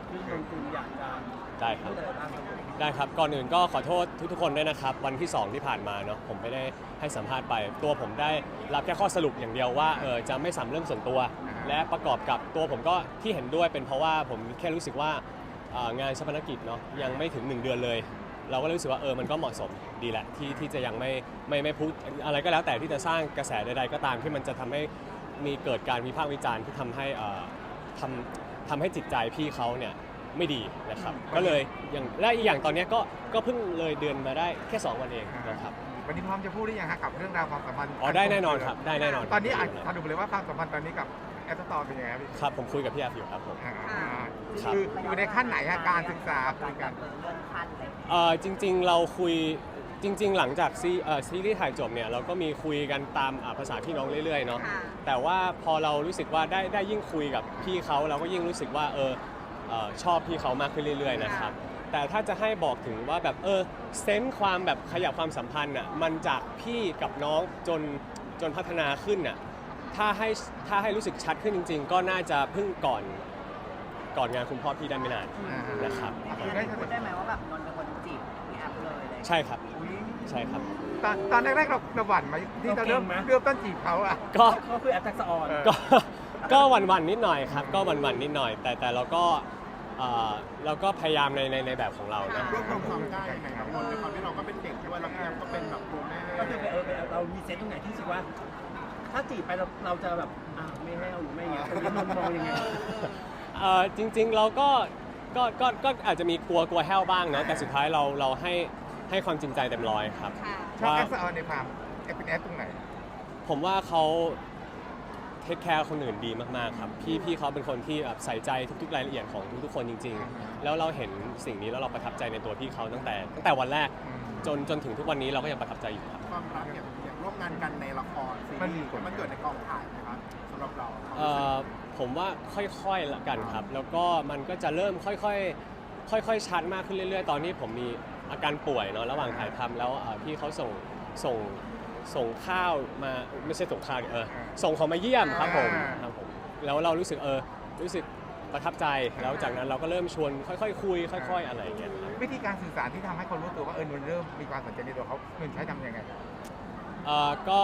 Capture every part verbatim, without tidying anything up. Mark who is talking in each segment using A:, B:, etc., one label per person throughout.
A: ที่นนกุลอยากจะ
B: ได้ครับ
A: พูดอะไรบ้างครับผม
B: ได้ครับก่อนอื่นก็ขอโทษทุกๆคนด้วยนะครับวันที่สองที่ผ่านมาเนาะผมไม่ได้ให้สัมภาษณ์ไป ตัวผมได้รับแค่ข้อสรุปอย่างเดียวว่าเออจะไม่สัมเรื่องส่วนตัว และประกอบกับตัวผมก็ที่เห็นด้วยเป็นเพราะว่าผมแค่รู้สึกว่าเอ่องานชาปนกิจเนาะยังไม่ถึงหนึ่งเดือนเลย เราก็รู้สึกว่าเออมันก็เหมาะสมดีแหละที่ที่จะยังไม่ไม่ไม่พูดอะไรก็แล้วแต่ที่จะสร้างกระแสใดๆก็ตามที่มันจะทำให้มีเกิดการวิพากษ์วิจารณ์ที่ทำให้เอ่อทำทำให้จิตใจพี่เขาเนี่ยไม่ดีนะครับก็เลยอย่างและอีกอย่างตอนเนี้ยก็ก็เพิ่งเลยเดือนมาได้แค่สองวันเองนะครับ
C: วันนี้พร้อมจะพูดหรือยังฮะกับเรื่องราวความสัมพันธ์
B: อ๋อได้แน่นอนครับได้แน่นอน
C: ตอนนี้อาจสรุปเลยว่าความสัมพันธ์ตอนนี้กับแอปตอร์เป็นยังไงครับพี่
B: ครับผมคุยกับพี่แอฟอยู่ครับผม
C: อ่า
B: ครับ
C: คืออยู่ในขั้นไหนฮะการศึกษาคุยกัน
D: เลื่อนขั้นเลย
B: เอ่อจริงๆเราคุยจริง ๆ หลังจากซีเอ่อซีรีส์ถ่ายจบเนี่ยเราก็มีคุยกันตามอ่าภาษาพี่น้องเรื่อยๆเนาะ
D: ค่ะ
B: แต่ว่าพอเรารู้สึกว่าได้ได้ยิ่งคุยกับพี่เขาเราก็ยิ่งรู้สึกว่าเออเอ่อชอบพี่เขามากขึ้นเรื่อยๆนะครับแต่ถ้าจะให้บอกถึงว่าแบบเออเซนส์ความแบบขยับความสัมพันธ์อ่ะมันจากพี่กับน้องจนจนพัฒนาขึ้นอ่ะถ้าให้ถ้าให้รู้สึกชัดขึ้นจริง ๆ ก็น่าจะเพิ่งก่อนก่อนงานคุณพ่อพี่ได้ไม่นานนะครับ
D: คือได้พูดได้ไหมว่าแบบนนท์เป็นคนจีบพี่แอฟเลยเลย
B: ใช่ครับใช่ครับ
C: ตอนตอนแรกๆเราเราหวั่นไหมที่เราเริ่มเริ่มต้นจีบเขาอ่ะ
B: ก็
A: ก็คือแอปทักษะออน
B: ก็ก็หวันๆนิดหน่อยครับก็หวันๆนิดหน่อย แต่แต่เราก็เอ่อเราก็พยายามในในในแบบของเรานะ
E: รวบรวมความกล้ายังไงครับนนท์ในความที่เราก็เป็นเด็กด้วยแล้วพี่แอมก็เป็นแบบโปรแม่
A: ก็คือไปเออไปเรามีเซนต์ตรงไหนที่รู้สึกว่า ถ้าจีบไปเราเราจะแบบอ่าไม่ให้เอาหรือไม่อย่างเงี้ยตรงนี้นนท์มองยังไง
B: เอ่อจริงๆเราก็ก็ก็ก็อาจจะมีกลัวกลัวแห้วบ้างเนาะแต่สุดท้ายเราเราให้ให้ความจริงใจเต็มร้อยครับ
D: ค่ะ
C: ชอบ
B: ว่า
C: แอปตอร์ในความแอปเป็นแอปตรงไหน
B: ผมว่าเขาเทคแคร์คนอื่นดีมากๆครับพี่พี่เขาเป็นคนที่แบบใส่ใจทุกๆรายละเอียดของทุกๆคนจริง ๆ แล้วเราเห็นสิ่งนี้แล้วเราประทับใจในตัวพี่เขาตั้งแต่ตั้งแต่วันแรกจนจนถึงทุกวันนี้เราก็ยังประทับใจอยู่ครับ
E: ความรักอย่างอย่างร่วมงานกันในละครซีรีส์มันเกิดในกองถ่ายนะครับสำหรับเรา
B: เอ่อผมว่าค่อยๆละกันครับ แล้วก็มันก็จะเริ่มค่อยๆค่อยๆชัดมากขึ้นเรื่อยๆ ตอนนี้ผมมีอาการป่วยเนาะระหว่างถ่ายทำแล้วเอ่อพี่เขาส่งส่งส่งข้าวมาไม่ใช่ส่งข้าวดิเออส่งของมาเยี่ยมครับผมครับผมแล้วเรารู้สึกเออรู้สึกประทับใจแล้วจากนั้นเราก็เริ่มชวนค่อยๆคุย ค่อย ๆ อะไรอย่างเงี้ยครับ
C: วิธีการสื่อสารที่ทำให้คนรู้ตัวว่าเออนนท์เริ่มมีความสนใจในตัวเขานนท์ใช้ทำยังไง
B: เอ่อก็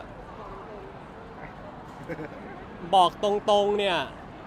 B: บอกตรงๆเนี่ย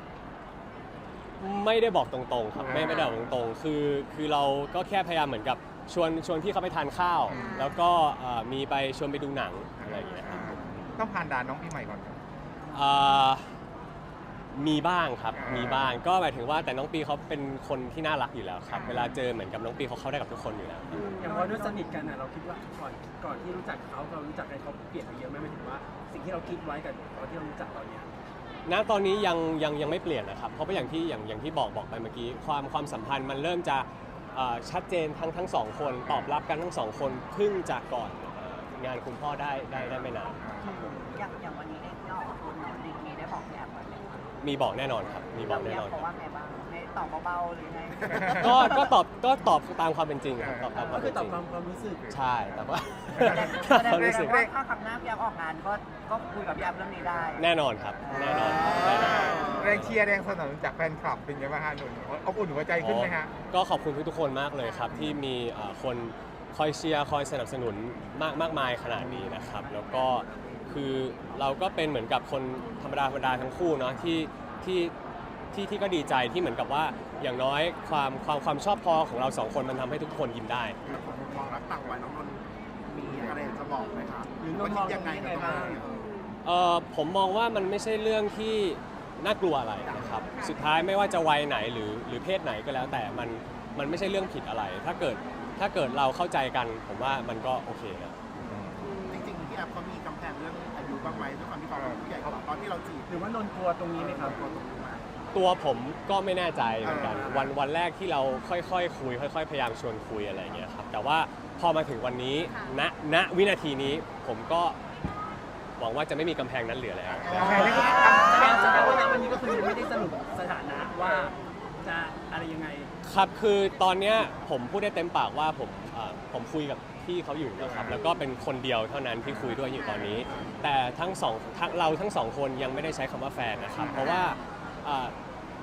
B: ไม่ได้บอกตรงๆครับไม่ไม่ได้บอกตรงๆคือคือเราก็แค่พยายามเหมือนกับชวนชวนพี่เขาไปทานข้าว แล้วก็เอ่อมีไปชวนไปดูหนังอะไรอย่างเงี้ยครับ
C: ต้องผ่านด่านน้องพี่ใหม่ก่อนครับ
B: เอ่อมีบ้างครับ
C: อ่ามี
B: มีบ้างก็หมายถึงว่าแต่น้องปีเขาเป็นคนที่น่ารักอยู่แล้วครับ เวลาเจอเหมือนกับน้องปีเขาเข้าได้กับทุกคนอยู่แล้ว
A: อย่างพอด้วยสนิทกันอ่ะเราคิดว่าก่อนก่อนที่รู้จักเขาเรารู้จักกันเขาเปลี่ยนไปเยอะไหมหมายถึงว่า สิ่งที่เราคิดไว้กับตอนที่เรารู้จักตอนเนี้ย
B: ณตอนนี้ยังยังยังไม่เปลี่ยนนะครับ เพราะว่าอย่างที่อย่างอย่างที่บอกบอกไปเมื่อกี้ความความสัมพันธ์มันเริ่มจะเอ่อชัดเจนทั้งทั้งสองคนตอบรับกันทั้งสองคนเพิ่งจากก่อนเอ่องานคุณพ่อได้ได้ได้ไม่นาน
D: อย่างอย่างวันนี้ได้ที่ออกคุณนนท์มีได้บอกพี่แอฟไหม
B: มีบอกแน่นอนครับมีบอกแน่นอน
D: เพ
B: ค
D: ราะ
B: รับ
D: ว่าไงบ้างให้ตอบเบาๆหรือไง
B: ก็ก็ตอบก็ตอบตามความเป็นจริงครับตอบตามค
A: ก็
B: วาม
A: คื
B: เป็
A: อน ต
B: จ
A: อบ
B: ริง
A: ความความรู้สึก
B: ใช่แต่ว่า
D: แสดง
B: ความ
D: แส
B: รู้สึก
D: ดงว่าถ้าคำหน้าพี่แอฟออกงานก็ก็คุยกับพี่แอฟเรื่องนี้ได้
B: แน่นอนครับแน่นอนแน่นอน
C: แรงเชียร์แรงสนับสนุนจากแฟนคลับเป็นยังไงบ้างฮะนนท์อบอุ่นหัวใจขึ้นไหมฮะ
B: ก็ขอบคุณทุกๆคนมากเลยครับที่มีเอ่อคนคอยเชียร์คอยสนับสนุนมากมากมายขนาดนี้นะครับ แล้วก็คือเราก็เป็นเหมือนกับคนธรรมดาธรรมดาทั้งคู่เนาะที่ที่ที่ที่ก็ดีใจที่เหมือนกับว่าอย่างน้อยความความความชอบพอของเราสองคนมันทำให้ทุกคนยิ้มได้
E: แล้วผมมองรักต่างวัยน้องนนท์มีอะไรจะบอกไหมครับ
A: หรือนนท์มอง
E: ยังไง
A: ยังไง
E: กับ
A: บ้าง
B: เอ่อผมมองว่ามันไม่ใช่เรื่องที่น่ากลัวอะไรนะครับสุดท้ายไม่ว่าจะวัยไหนหรือหรือเพศไหนก็แล้วแต่มันมันไม่ใช่เรื่องผิดอะไร ถ้าเกิดถ้าเกิดเราเข้าใจกัน ผมว่ามันก็โอเคนะ
E: จริงๆพี่แอฟเขามีกำแพงเรื่องอายุบ้างไหมด้วยความที่เขาเป็นผู้ใหญ่กว่าตอนที่เราจีบ
A: หรือว่านนท์กลัวตรงนี้ไหมครับ
E: ตัวตรงนี้มา
B: ตัวผมก็ไม่แน่ใจเหมือนกัน
A: อ่า
B: วันวันแรกที่เราค่อยๆคุย ค่อย ๆ พยายามชวนคุยอะไรอย่างเงี้ยครับแต่ว่าพอมาถึงวันนี้ณณวินาทีนี้ผมก็หวังว่าจะไม่มีกำแพงนั้นเหลือแล้ว
C: กำแพงนี้ก็
A: แสดงแสดงว่าณวันนี้ก็คือยังไม่ได้สรุปสถานะว่าจะอะไรยังไง
B: ครับคือตอนเนี้ยผมพูดได้เต็มปากว่าผมเอ่อผมคุยกับพี่เขาอยู่นะครับแล้วก็เป็นคนเดียวเท่านั้นที่คุยด้วยอยู่ตอนนี้ แต่ทั้งสองทั้งเราทั้งสองคนยังไม่ได้ใช้คำว่าแฟนนะครับ เพราะว่าเอ่อ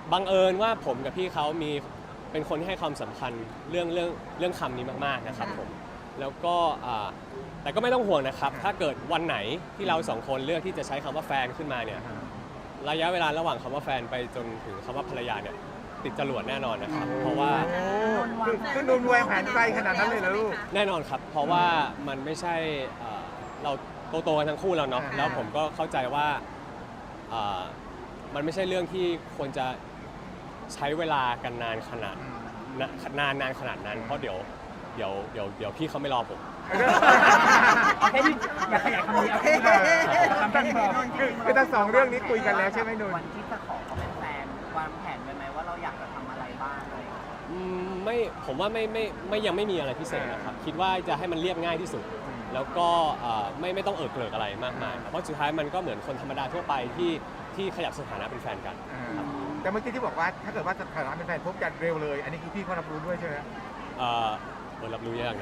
B: บังเอิญว่าผมกับพี่เขามีเป็นคนที่ให้ความสำคัญเรื่องเรื่องเรื่องคำนี้มากๆนะครับผมแล้วก็อ่าแต่ก็ไม่ต้องห่วงนะครับ ถ้าเกิดวันไหนที่เราสองคนเลือกที่จะใช้คำว่าแฟนขึ้นมาเนี่ยระยะเวลาระหว่างคำว่าแฟนไปจนถึงคำว่าภรรยาเนี่ยติดจรวดแน่นอนนะครับเพราะว่า
C: โอ้คือคือนุ่นวางแผนไกลขนาดนั้นเลยเหรอลูก
B: แน่นอนครับ เพราะว่ามันไม่ใช่เอ่อเราโตๆกันทั้งคู่แล้วเนาะ
C: อ่า
B: แล้วผมก็เข้าใจว่าเอ่อมันไม่ใช่เรื่องที่ควรจะใช้เวลากันนานขนาดนะนานนานขนาดนั้น เพราะเดี๋ยวเดี๋ยวเดี๋ยวเดี๋ยวพี่เขาไม่รอผม
A: เอาแค่นี้อย่าขยายคำนี้เอาแค่นี้คำแค่นี้พอ
C: คือคือทั้งสองเรื่องนี้คุยกันแล้วใช่ไหมนุ่น
D: วันที่จะขอเขาเป็นแฟนวางแผนไว้ไหมว่าเราอยากจะทำอะไรบ้างอะไรอย่างเงี้ย
B: อืมไม่ผมว่าไม่ไม่ไม่ยังไม่มีอะไรพิเศษนะครับ คิดว่าจะให้มันเรียบง่ายที่สุด แล้วก็เอ่อไม่ไม่ต้องเอิกเกลิกอะไรมากมายครับเพราะสุดท้ายมันก็เหมือนคนธรรมดาทั่วไปที่ที่ขยับสถานะเป็นแฟนกัน
C: อ่าแต่เมื่อกี้ที่บอกว่าถ้าเกิดว่าสถานะเป็นแฟนพบกันเร็วเลย อันนี้คือพี่เขารับรู้ด้วยใช่ไหม
B: เอ่อเออรับรู้ยากนะ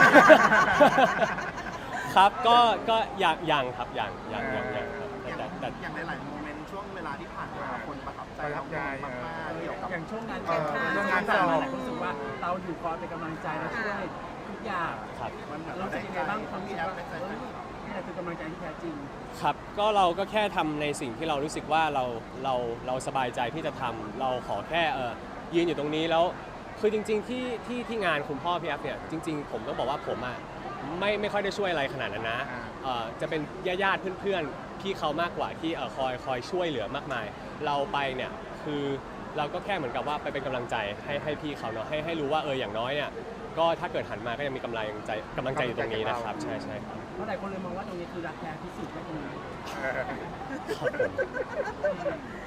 B: ครับก็ก็อย่างอย่างครับอย่างอย่างอย่างอย่างครับ
E: อย่าง
B: แต่แต่แต่
E: อย่างหลายๆโมเมนต์ช่วงเวลาที่ผ่านมาคนประทับใจ
C: ประทับใจ
E: มากๆเกี่ยวกับ
A: อย่างช่วงงาน
C: เออ
A: แต่ง
C: เรื่องงาน
A: ต่างๆ
C: สอบ
A: หลายคนรู้สึกว่าเราอยู่คอยเป็นกำลังใจและช่วยทุกอย่าง
B: ครับ
A: มันแบบรู้สึกยังไงบ้างความรู้สึกว่าเออนี่แหละคือกำลังใจที่แท้จริง
B: ครับก็เราก็แค่ทำในสิ่งที่เรารู้สึกว่าเราเราเราสบายใจที่จะทำเราขอแค่เออยืนอยู่ตรงนี้แล้วคือจริง ๆ ที่ที่ที่งานคุณพ่อพี่แอฟเนี่ยจริง ๆ ผมต้องบอกว่าผมอ่ะไม่ไม่ค่อยได้ช่วยอะไรขนาดนั้นนะเอ่อจะเป็นญาติๆเพื่อนๆพี่เขามากกว่าที่เอ่อคอยคอยช่วยเหลือมากมาย เราไปเนี่ยคือเราก็แค่เหมือนกับว่าไปเป็นกำลังใจให้ให้พี่เขาเนาะให้ให้รู้ว่าเอออย่างน้อยเนี่ยก็ถ้าเกิดหันมาก็ยังมีกำลังใจกำลังใจอยู่ตรงนี้นะครับใช่ใช่ครับ
A: เพราะหลายคนเลยมองว่าตรงนี้คือรักแท้ที่สุดก็ตรงนี้
C: เออ
B: ครับผม